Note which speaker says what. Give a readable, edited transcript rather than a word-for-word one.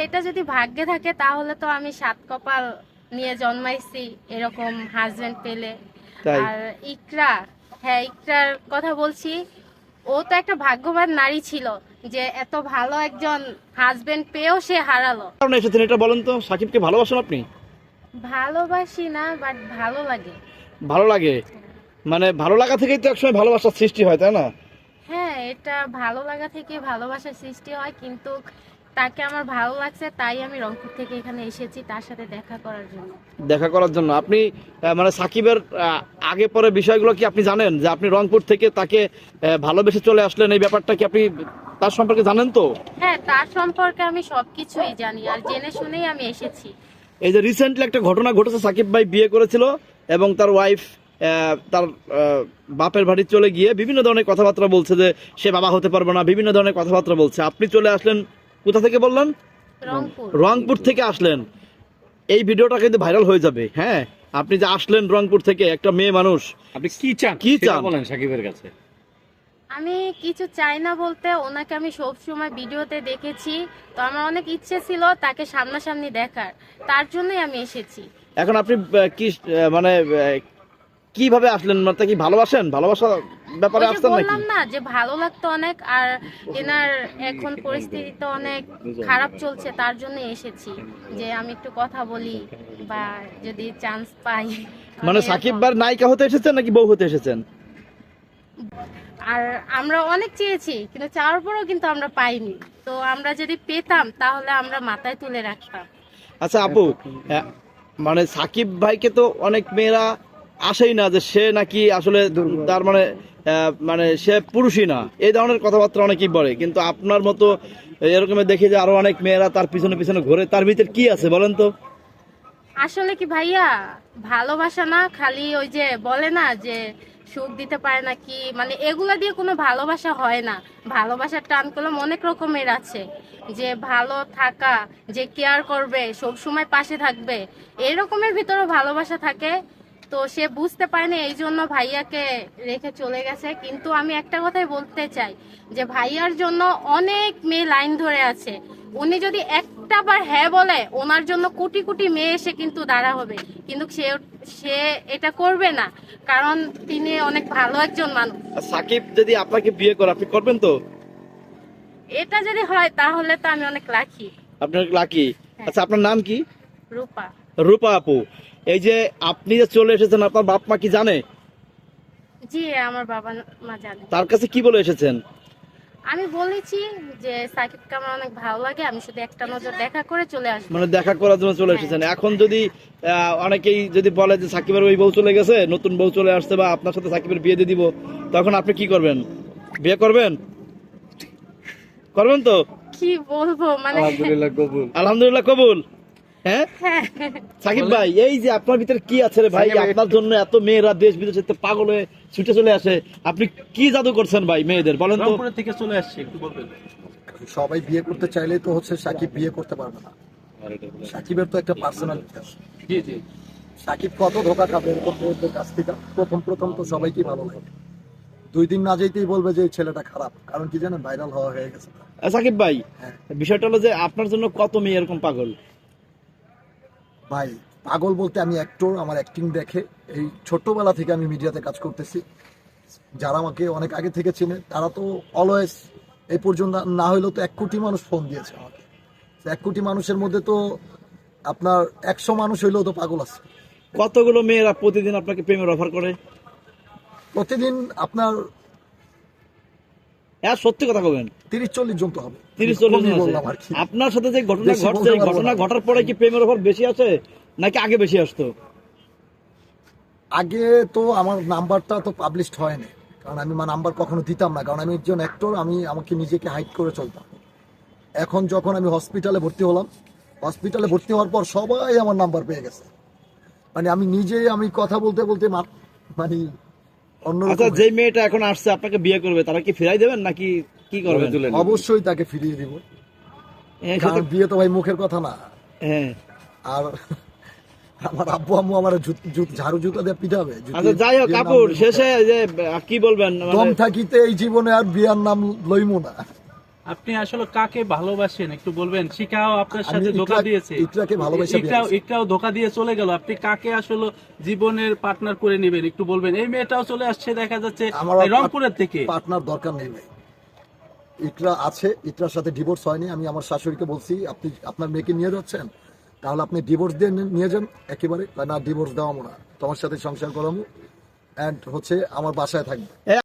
Speaker 1: এটা যদি ভাগ্যে থাকে তাহলে তো আমি 7 কপাল নিয়ে জন্মাইছি এরকম হাজবেন্ড পেলে।
Speaker 2: তাই
Speaker 1: আর ইকরা, হ্যাঁ ইকরার কথা বলছি, ও তো একটা ভাগ্যবান নারী ছিল যে এত ভালো একজন হাজবেন্ড পেয়েও সে হারালো।
Speaker 2: কারণে এসেছেন এটা বলেন তো, সাকিবকে ভালোবাসেন আপনি?
Speaker 1: ভালোবাসি না, বাট ভালো লাগে।
Speaker 2: ভালো লাগে, মানে ভালো লাগা থেকেই তো একসময় ভালোবাসার সৃষ্টি হয়, তাই না?
Speaker 1: হ্যাঁ, এটা ভালো লাগা থেকে ভালোবাসার সৃষ্টি হয়, কিন্তু তাকে আমার ভালো লাগছে তাই আমি রংপুর থেকে এখানে এসেছি তার সাথে দেখা করার জন্য।
Speaker 2: দেখা করার জন্য আপনি মানে সাকিবের আগে পরে বিষয়গুলো কি আপনি জানেন, যে আপনি রংপুর থেকে তাকে ভালোবেসে চলে আসলেন, এই ব্যাপারটা কি আপনি তার সম্পর্কে জানেন তো?
Speaker 1: হ্যাঁ, তার সম্পর্কে আমি সবকিছুই জানি আর জেনে শুনেই আমি এসেছি।
Speaker 2: এই যে রিসেন্টলি একটা ঘটনা ঘটেছে, সাকিব ভাই বিয়ে করেছিল এবং তার ওয়াইফ তার বাপের বাড়ি চলে গিয়ে বিভিন্ন ধরনের কথাবার্তা বলছে যে সে বাবা হতে পারবে না, বিভিন্ন ধরনের কথাবার্তা বলছে। আপনি চলে আসলেন কোথা থেকে বললেন?
Speaker 1: রংপুর।
Speaker 2: রংপুর থেকে আসলেন। এই ভিডিওটা কিন্তু ভাইরাল হয়ে যাবে। হ্যাঁ, আপনি যে আসলেন রংপুর থেকে, একটা মেয়ে মানুষ,
Speaker 3: আপনি কি চান
Speaker 2: কি
Speaker 3: সেটা
Speaker 2: চান
Speaker 3: বলেন সাকিবের কাছে।
Speaker 1: আমি কিছু চাই না বলতে, ওনাকে আমি সব সময় ভিডিওতে দেখেছি, তো আমার অনেক ইচ্ছে ছিল তাকে সামনাসামনি দেখার, তার জন্যই আমি এসেছি।
Speaker 2: এখন আপনি কি মানে কিভাবে আসলেন, মানে কি ভালোবাসেন, ভালোবাসা ব্যাপারে
Speaker 1: ওই যে
Speaker 2: আসছেন নাকি?
Speaker 1: বললাম না যে ভালো লাগতো অনেক, আর এনার এখন পরিস্থিতি তো অনেক খারাপ চলছে, তার জন্য এসেছি যে আমি একটু কথা বলি বা যদি চান্স পাই।
Speaker 2: মানে সাকিব ভাইয়ের নায়িকা হতে এসেছেন নাকি বউ হতে এসেছেন?
Speaker 1: আর আমরা অনেক চেয়েছি কিন্তু চাওয়ার পরেও কিন্তু আমরা পাইনি, তো আমরা যদি পেতাম তাহলে আমরা মাথায় তুলে রাখতাম।
Speaker 2: আচ্ছা আপু, মানে সাকিব ভাইকে তো অনেক মেয়েরা আসেই না যে সে নাকি আসলে তার মানে মানে সে পুরুষই না, এই ধরনের কথাবার্তা অনেকেই বলে, কিন্তু আপনার মতো এরকম দেখি যে আরো অনেক মেয়েরা তার পিছনে পিছনে ঘোরে। তার ভিতর কি আছে বলেন তো?
Speaker 1: আসলে কি ভাইয়া, ভালোবাসা না খালি ওই যে বলে না যে সুখ দিতে পারে না কি, মানে এগুলা দিয়ে কোনো ভালোবাসা হয় না। ভালোবাসার টান কলম অনেক রকমের আছে, যে ভালো থাকা, যে কেয়ার করবে, সব সময় পাশে থাকবে, এরকমের ভিতরেও ভালোবাসা থাকে। তো সে বুঝতে পারেনি, এই জন্য ভাইয়াকে রেখে চলে গেছে। কিন্তু আমি একটা কথাই বলতে চাই যে ভাইয়ার জন্য অনেক মেয়ে লাইন ধরে আছে। উনি যদি একটা বার হ্যাঁ বলে, ওনার জন্য কোটি কোটি মেয়ে এসে কিন্তু দাঁড়া হবে, কিন্তু সে সে এটা করবে না, কারণ তিনি অনেক ভালো একজন মানুষ।
Speaker 2: আর সাকিব যদি আপনাকে বিয়ে করে, আপনি করবেন তো?
Speaker 1: এটা যদি হয় তাহলে তো আমি অনেক লাকি।
Speaker 2: আপনার লাকি। আচ্ছা আপনার নাম কি?
Speaker 1: রূপা।
Speaker 2: রূপা আপু, এই যে আপনি যে চলে এসেছেন, আপনার বাপ মা কি জানে?
Speaker 1: জি, আমার বাবা মা জানে।
Speaker 2: তার কাছে কি বলে এসেছেন?
Speaker 1: আমি বলেছি যে সাকিবকে আমার অনেক ভালো লাগে, আমি শুধু একটা নজর দেখা করে চলে আসবো।
Speaker 2: মানে দেখা করার জন্য চলে এসেছেন। এখন যদি অনেকেই যদি বলে যে সাকিবের ওই বউ চলে গেছে, নতুন বউ চলে আসছে, বা আপনার সাথে সাকিবের বিয়ে দিয়ে দিব, তখন আপনি কি করবেন? বিয়ে করবেন? করবেন তো?
Speaker 1: কি বলবো, মানে
Speaker 3: আলহামদুলিল্লাহ কবুল।
Speaker 2: আলহামদুলিল্লাহ কবুল। হ্যাঁ
Speaker 1: হ্যাঁ,
Speaker 2: সাকিব ভাই, এই যে আপনার ভিতরে কি আছে রে ভাই, আপনার জন্য এত মেয়েরা দেশ বিদেশে পাগল হয়ে ছুটে চলে আসে, আপনি কি জাদু করছেন ভাই মেয়েদের, বলেন তো?
Speaker 3: রংপুর থেকে চলে আসছে, একটু বলবেন।
Speaker 4: সবাই বিয়ে করতে চাইলেই তো হচ্ছে সাকিব বিয়ে করতে পারবে না। সাকিবের তো একটা পার্সোনালিটি আছে।
Speaker 3: জি জি।
Speaker 4: সাকিব কত ধোকা খাবে এরকম মেয়েদের কাছ থেকে। প্রথম তো সবাইকে ভালো লাগে, 2 দিন না যেতেই বলবে যে এই ছেলেটা খারাপ, কারণ কি জানেন, ভাইরাল হওয়া হয়ে গেছে।
Speaker 2: সাকিব ভাই,
Speaker 4: হ্যাঁ
Speaker 2: বিষয়টা হলো যে আপনার জন্য কত মেয়ে এরকম পাগল?
Speaker 4: ভাই, পাগল বলতে আমি অ্যাক্টর, আমার অ্যাক্টিং দেখে এই ছোট্টবেলা থেকে আমি মিডিয়াতে কাজ করতেছি। যারা আমাকে অনেক আগে থেকে চেনে তারা তো অলওয়েজ, এই পর্যন্ত না হইলেও তো 1 কোটি মানুষ ফোন দিয়েছে আমাকে। 1 কোটি মানুষের মধ্যে তো আপনার 100 মানুষ হইলেও তো পাগল আছে।
Speaker 2: কতগুলো মেয়েরা প্রতিদিন আপনাকে প্রেমের অফার করে?
Speaker 4: প্রতিদিন আপনার
Speaker 2: হ্যাঁ সত্যি কথা বলবেন।
Speaker 4: 30-40 জন তো হবে।
Speaker 2: 30-40
Speaker 4: কমই
Speaker 2: জন
Speaker 4: বললাম
Speaker 2: আছে।
Speaker 4: আর কি।
Speaker 2: আপনার সাথে যে ঘটনা
Speaker 4: বেশি
Speaker 2: ঘটছে,
Speaker 4: বলতে
Speaker 2: এই
Speaker 4: পারবো
Speaker 2: ঘটনা
Speaker 4: না।
Speaker 2: ঘটার পরে কি প্রেমের অফার বেশি আছে নাকি আগে বেশি আসতো?
Speaker 4: আগে তো আমার নাম্বারটা তো পাবলিশড হয়নি, কারণ আমি নাম্বার কখনো দিতাম না, কারণ আমি একজন অ্যাক্টর, আমি আমাকে নিজেকে হাইড করে চলতাম। এখন যখন আমি হসপিটালে ভর্তি হলাম, হসপিটালে ভর্তি হওয়ার পর সবাই আমার নাম্বার পেয়ে গেছে। মানে আমি নিজেই আমি কথা বলতে বলতে মানে
Speaker 2: আচ্ছা,
Speaker 4: অন্যরকম।
Speaker 2: যে মেয়েটা এখন আসছে আপনাকে বিয়ে করবে, তারা কি ফিরাই দেবেন নাকি কি করবেন?
Speaker 4: অবশ্যই তাকে ফিরিয়ে দিব,
Speaker 2: হ্যাঁ,
Speaker 4: কারণ
Speaker 2: সেটা-
Speaker 4: বিয়ে তো ভাই মুখের কথা না।
Speaker 2: হ্যাঁ।
Speaker 4: আর আমার আব্বু আম্মু আমার ঝাড়ু জুতা দিয়ে পিটাবে।
Speaker 2: আচ্ছা যাই হোক
Speaker 4: বিয়ের নাম
Speaker 2: কাপুর,
Speaker 4: লইবো।
Speaker 2: শেষে যে কি বলবেন,
Speaker 4: দম
Speaker 2: মানে
Speaker 4: থাকিতে এই জীবনে আর বিয়ার নাম লইমু না।
Speaker 3: আপনি আসলে কাকে ভালোবাসেন একটু বলবেন? শিখাও আপনার
Speaker 4: আমি
Speaker 3: সাথে ধোকা দিয়েছে,
Speaker 4: ইকরাকে ভালোবাসা
Speaker 3: ইকরাও ধোকা দিয়ে চলে গেল, আপনি কাকে আসলে জীবনের পার্টনার করে নেবেন একটু বলবেন? এই মেয়েটাও চলে আসছে দেখা যাচ্ছে
Speaker 4: আমার
Speaker 3: রংপুরের থেকে।
Speaker 4: পার্টনার দরকার নেই ভাই। ইকরা আছে, ইকরার সাথে ডিভোর্স হয়নি। আমি আমার শাশুড়িকে বলছি আপনি আপনার মেয়েকে নিয়ে যাচ্ছেন, তাহলে আপনি ডিভোর্স দিয়ে নিয়ে যান একেবারে। না ডিভোর্স দেওয়াবো না, তোমার সাথে সংসার করাবো, অ্যান্ড হচ্ছে আমার বাসায় থাকবে।